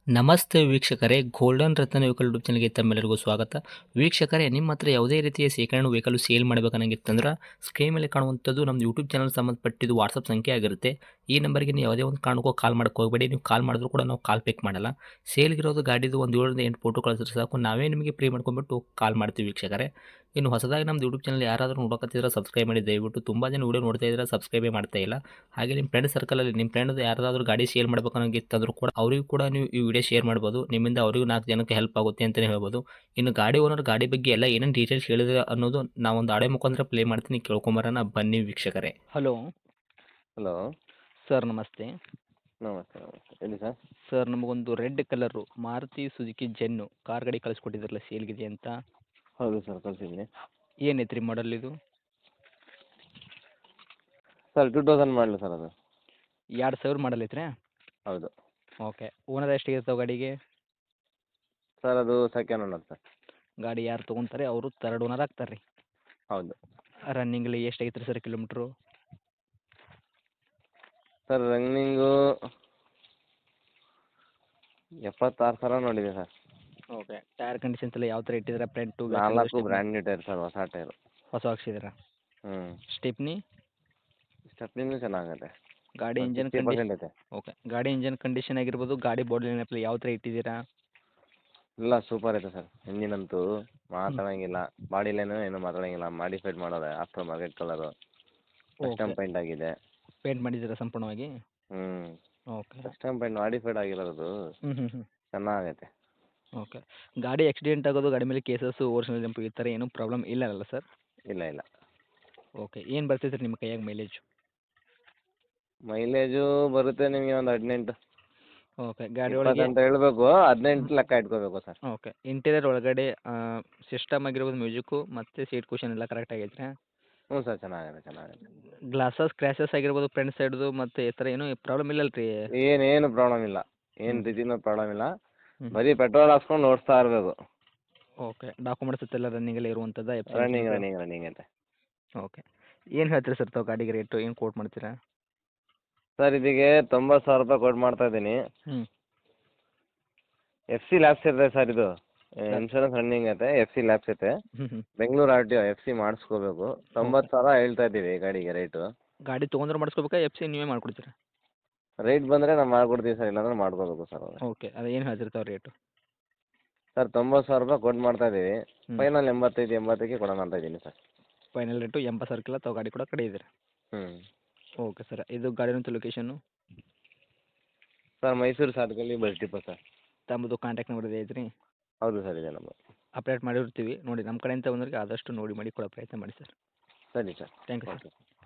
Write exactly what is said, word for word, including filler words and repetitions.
ನಮಸ್ತೆ ವೀಕ್ಷಕರೇ, ಗೋಲ್ಡನ್ ರತ್ನ vehicle YouTube ಚಾನಲ್ಗೆ ತಮ್ಮೆಲ್ಲರಿಗೂ ಸ್ವಾಗತ. ವೀಕ್ಷಕರೇ, ನಿಮ್ಮ ಹತ್ರ ಯಾವುದೇ ರೀತಿಯ ಶೇಖರಣೆ ವೆಹಿಕಲ್ ಸೇಲ್ ಮಾಡಬೇಕನ್ನಂಗಿತ್ತಂದ್ರೆ ಸ್ಕ್ರೀನ್ ಮೇಲೆ ಕಾಣುವಂಥದ್ದು ನಮ್ಮ ಯೂಟ್ಯೂಬ್ ಚಾನಲ್ ಸಂಬಂಧಪಟ್ಟಿದ್ದು ವಾಟ್ಸಪ್ ಸಂಖ್ಯೆ ಆಗಿರುತ್ತೆ. ಈ ನಂಬರ್ಗೆ ನೀವು ಯಾವುದೇ ಒಂದು ಕಾರಣಕ್ಕೂ ಕಾಲ್ ಮಾಡಕ್ಕೆ ಹೋಗಬೇಡಿ. ನೀವು ಕಾಲ್ ಮಾಡಿದ್ರು ಕೂಡ ನಾವು ಕಾಲ್ ಪಿಕ್ ಮಾಡಲ್ಲ. ಸೇಲ್ಗಿರೋದು ಗಾಡಿದು ಒಂದು ಏಳರಿಂದ ಎಂಟು ಫೋಟೋ ಕಳಿಸಿದ್ರೆ ಸಾಕು, ನಾವೇ ನಿಮಗೆ ಪ್ರೀ ಮಾಡ್ಕೊಂಡ್ಬಿಟ್ಟು ಕಾಲ್ ಮಾಡ್ತೀವಿ ವೀಕ್ಷಕರೇ. ಇನ್ನು ಹೊಸದಾಗಿ ನಮ್ಮದು ಯೂಟ್ಯೂಬ್ ಚಾನಲ್ ಯಾರಾದರೂ ನೋಡೋಕತ್ತಿದ್ರೆ ಸಬ್ಸ್ಕ್ರೈಬ್ ಮಾಡಿ ದಯವಿಟ್ಟು. ತುಂಬ ಜನ ವೀಡಿಯೋ ನೋಡ್ತಾ ಇದ್ದಾರೆ, ಸಬ್ಸ್ಕ್ರೈಬೇ ಮಾಡ್ತಾ ಇಲ್ಲ. ಹಾಗೆ ನಿಮ್ಮ ಫ್ರೆಂಡ್ ಸರ್ಕಲಲ್ಲಿ ನಿಮ್ಮ ಫ್ರೆಂಡ್ ಯಾರಾದರೂ ಗಾಡಿ ಸೇಲ್ ಮಾಡಬೇಕನ್ನೋಂಗಿತ್ತಂದ್ರೂ ಕೂಡ ಅವರಿಗೂ ಕೂಡ ನೀವು ಈ ವಿಡಿಯೋ ಶೇರ್ ಮಾಡ್ಬೋದು. ನಿಮ್ಮಿಂದ ಅವರಿಗೂ ನಾಲ್ಕು ಜನಕ್ಕೆ ಹೆಲ್ಪ್ ಆಗುತ್ತೆ ಅಂತಲೇ ಹೇಳ್ಬೋದು. ಇನ್ನು ಗಾಡಿ ಓನರ್ ಗಾಡಿ ಬಗ್ಗೆ ಎಲ್ಲ ಏನೇನು ಡೀಟೇಲ್ಸ್ ಹೇಳಿದ್ರೆ ಅನ್ನೋದು ನಾವೊಂದು ಆಡೆ ಮುಖಾಂತರ ಪ್ಲೇ ಮಾಡ್ತೀನಿ, ಕೇಳ್ಕೊಂಬರೋಣ ಬನ್ನಿ ವೀಕ್ಷಕರೇ. ಹಲೋ ಹಲೋ ಸರ್, ನಮಸ್ತೆ. ನಮಸ್ತೆ ನಮಸ್ತೆ ಹೇಳಿ ಸರ್. ಸರ್, ನಮಗೊಂದು red colour Maruti Suzuki Zen car ಗಾಡಿ ಕಳಿಸ್ಕೊಟ್ಟಿದ್ರಲ್ಲ ಸೇಲ್ಗಿದೆ ಅಂತ. ಹೌದು ಸರ್, ಕಳಿಸಿದ್ದೀನಿ. ಏನೈತ್ರಿ ಮಾಡಲ್ ಇದು? Sir two thousand model sir ಅದು. ಎರಡು ಸಾವಿರ ಮಾಡಲ್ ಐತ್ರಿ? ಹೌದು ಓಕೆ. ಓನರ್ ಎಷ್ಟಿರ್ತಾವೆ ಗಾಡಿಗೆ? ಸರ್ ಅದು ಸೆಕೆಂಡ್ ಓನರ್ ಸರ್. ಗಾಡಿ ಯಾರು ತೊಗೊಂತಾರೆ ಅವರು ತರ್ಡ್ ಓನರ್ ಆಗ್ತಾರೆ ರೀ? ಹೌದು ರನ್ನಿಂಗ್ಲಿ ಎಷ್ಟು ಐತ್ರಿ ಸರ್ ಕಿಲೋಮೀಟ್ರು? ಸರ್ ರನ್ನಿಂಗು ಎಪ್ಪತ್ತಾರು ಸಾವಿರ ನೋಡಿದೆ ಸರ್. ಓಕೆ. ಟೈರ್ ಕಂಡೀಷನ್ಸ್ ಎಲ್ಲ ಯಾವ ಥರ ಇಟ್ಟಿದ್ದೀರಾ? ಫ್ರಂಟು ನಾಲ್ಕು ಬ್ರ್ಯಾಂಡ್ ನ್ಯೂ ಟೈರ್ ಸರ್, ಹೊಸ ಟೈರು. ಹೊಸ ಹಾಕ್ಸಿದ್ದೀರಾ? ಹ್ಞೂ ಸ್ಟೆಪ್ನಿ? ಸ್ಟೆಪ್ನಿನೂ ಚೆನ್ನಾಗತ್ತೆ. ಗಾಡಿ ಇಂಜನ್ ಫಿಫ್ಟಿ ಕಂಡೀಷನ್? ಪರ್ಸೆಂಟ್ ಐತೆ. ಓಕೆ. ಗಾಡಿ ಇಂಜನ್ ಕಂಡೀಷನ್ ಆಗಿರ್ಬೋದು, ಗಾಡಿ ಬಾಡಿ ಲೈನಪ್ ಯಾವ ಥರ ಇಟ್ಟಿದ್ದೀರಾ? ಎಲ್ಲ ಸೂಪರ್ ಐತೆ ಸರ್. ಇಂಜಿನಂತೂ ಮಾತಾಡೋಂಗಿಲ್ಲ, ಬಾಡಿ ಲೈನು ಏನು ಮಾತಾಡೋಂಗಿಲ್ಲ. ಮಾಡಿಫೈಡ್ ಮಾಡೋದೆ, after market colour, custom paint ಆಗಿದೆ. ಪೇಂಟ್ ಮಾಡಿದ್ದೀರಾ ಸಂಪೂರ್ಣವಾಗಿ? ಹ್ಞೂ ಓಕೆ. ಕಸ್ಟಮ್ ಪೇಂಟ್ ಮಾಡಿಫೈಡ್ ಆಗಿರೋದು ಹ್ಞೂ ಹ್ಞೂ ಹ್ಞೂ ಚೆನ್ನಾಗೈತೆ. ಓಕೆ. ಗಾಡಿ ಆಕ್ಸಿಡೆಂಟ್ ಆಗೋದು, ಗಾಡಿ ಮೇಲೆ ಕೇಸಸ್ಸು, ಓರಿಜಿನಲ್ ಜಂಪು ಈ ಥರ ಏನೂ ಪ್ರಾಬ್ಲಮ್ ಇಲ್ಲ ಅಲ್ಲ ಸರ್? ಇಲ್ಲ ಇಲ್ಲ. ಓಕೆ. ಏನು ಬರ್ತೈತೆ ರೀ ನಿಮ್ಮ ಕೈಯಾಗ ಮೈಲೇಜು? ಮೈಲೇಜು ಬರುತ್ತೆ ನಿಮಗೆ ಒಂದು ಹದಿನೆಂಟು. ಓಕೆ. ಗಾಡಿ ಇಪ್ಪತ್ತು ಒಳಗೆ ಅಂತ ಹೇಳ್ಬೇಕು, ಹದಿನೆಂಟು ಲೆಕ್ಕ ಇಟ್ಕೋಬೇಕು ಸರ್. ಓಕೆ. ಇಂಟೀರಿಯರ್ ಒಳಗಡೆ ಸಿಸ್ಟಮ್ ಆಗಿರ್ಬೋದು, ಮ್ಯೂಸಿಕ್ಕು ಮತ್ತು ಸೀಟ್ ಕುಷನ್ ಎಲ್ಲ ಕರೆಕ್ಟ್ ಆಗೈತೆ ರೀ? ಹ್ಞೂ ಸರ್, ಚೆನ್ನಾಗಿದೆ ಚೆನ್ನಾಗಿದೆ. ಗ್ಲಾಸಸ್ ಕ್ರ್ಯಾಸಸ್ ಆಗಿರ್ಬೋದು ಫ್ರಂಟ್ ಸೈಡ್ದು ಮತ್ತು ಈ ಥರ ಏನೂ ಪ್ರಾಬ್ಲಮ್ ಇಲ್ಲಲ್ಲ ರೀ? ಏನೇನು ಪ್ರಾಬ್ಲಮ್ ಇಲ್ಲ, ಏನು ಹ್ಞೂ. ರೀತಿನೂ ಪ್ರಾಬ್ಲಮ್ ಇಲ್ಲ. ಹ್ಞೂ. ಬರೀ ಪೆಟ್ರೋಲ್ ಹಾಕ್ಸ್ಕೊಂಡು ಓಡಿಸ್ತಾ ಇರಬೇಕು. ಓಕೆ. ಡಾಕ್ಯುಮೆಂಟ್ಸ್ ಎಲ್ಲ ರನ್ನಿಂಗಲ್ಲೇ ಇರುವಂಥದ್ದು? ರನ್ನಿಂಗ್ ರನ್ನಿಂಗ್ ರನ್ನಿಂಗ್ ಐತೆ. ಓಕೆ. ಏನು ಹೇಳ್ತೀರಿ ಸರ್ ತಾವು ಗಾಡಿಗೆ ರೇಟು? ಏನು ಕೋಟ್ ಮಾಡ್ತೀರಾ? ಸರ್ ಇದಕ್ಕೆ ತೊಂಬತ್ತು ಸಾವಿರ ರೂಪಾಯಿ ಕೊಟ್ಟು ಮಾಡ್ತಾ ಇದ್ದೀನಿ. ಹ್ಞೂ. ಎಫ್ ಸಿ ಲ್ಯಾಬ್ಸ್ ಇರ್ತದೆ ಸರ್, ಇದು ಇನ್ಶೂರೆನ್ಸ್ ರನ್ನಿಂಗ್ ಐತೆ, ಎಫ್ ಸಿ ಲ್ಯಾಬ್ಸ್ ಐತೆ. ಹ್ಞೂ ಹ್ಞೂ Bengaluru R T O F C ಮಾಡಿಸ್ಕೋಬೇಕು. ತೊಂಬತ್ತು ಸಾವಿರ ಹೇಳ್ತಾ ಇದ್ದೀವಿ ಗಾಡಿಗೆ ರೇಟು. ಗಾಡಿ ತೊಗೊಂಡ್ರೆ ಮಾಡಿಸ್ಕೋಬೇಕಾ, ಎಫ್ ಸಿ ನೀವೇ ಮಾಡ್ಕೊಡ್ತೀರಾ? ರೇಟ್ ಬಂದರೆ ನಾವು ಮಾಡ್ಕೊಡ್ತೀವಿ ಸರ್, ಇಲ್ಲಾಂದ್ರೆ ಮಾಡ್ಕೋಬೇಕು ಸರ್ ಅವ್ರೆ. ಓಕೆ. ಅದು ಏನು ಹೇಳ್ತಿರ್ತಾವೆ ರೇಟು? ಸರ್ ತೊಂಬತ್ತು ಸಾವಿರ ರೂಪಾಯಿ ಕೊಟ್ಟು ಮಾಡ್ತಾ ಇದ್ದೀವಿ. ಹ್ಞೂ. ಫೈನಲ್ ಎಂಬತ್ತೈದು ಎಂಬತ್ತಕ್ಕೆ ಕೊಡೋಣ ಅಂತ ಇದ್ದೀನಿ ಸರ್. ಫೈನಲ್ ರೇಟು ಎಂಬತ್ತು ಸಾವಿರಕ್ಕೆಲ್ಲ ತಾವು ಗಾಡಿ ಕೂಡ ಕಡೆ ಇದ್ದೀರಾ? ಹ್ಞೂ ಓಕೆ ಸರ್. ಇದು ಗಾಡಿನಂತ ಲೊಕೇಶನ್ನು? ಸರ್ ಮೈಸೂರು ಸಾಧಕಲ್ಲಿ ಬಸ್ ಡಿಪೋ ಸರ್. ತಮ್ಮದು ಕಾಂಟ್ಯಾಕ್ಟ್ ನಂಬರ್ ಇದೆ ಐತ್ರಿ? ಹೌದು ಸರ್, ಇದೆ ನಂಬರ್. ಅಪ್ಡೇಟ್ ಮಾಡಿರ್ತೀವಿ ನೋಡಿ. ನಮ್ಮ ಕಡೆಯಿಂದ ಬಂದವರಿಗೆ ಆದಷ್ಟು ನೋಡಿ ಮಾಡಿ ಕೊಡೋ ಪ್ರಯತ್ನ ಮಾಡಿ ಸರ್. ಸರಿ sir. Thank you sir. Okay.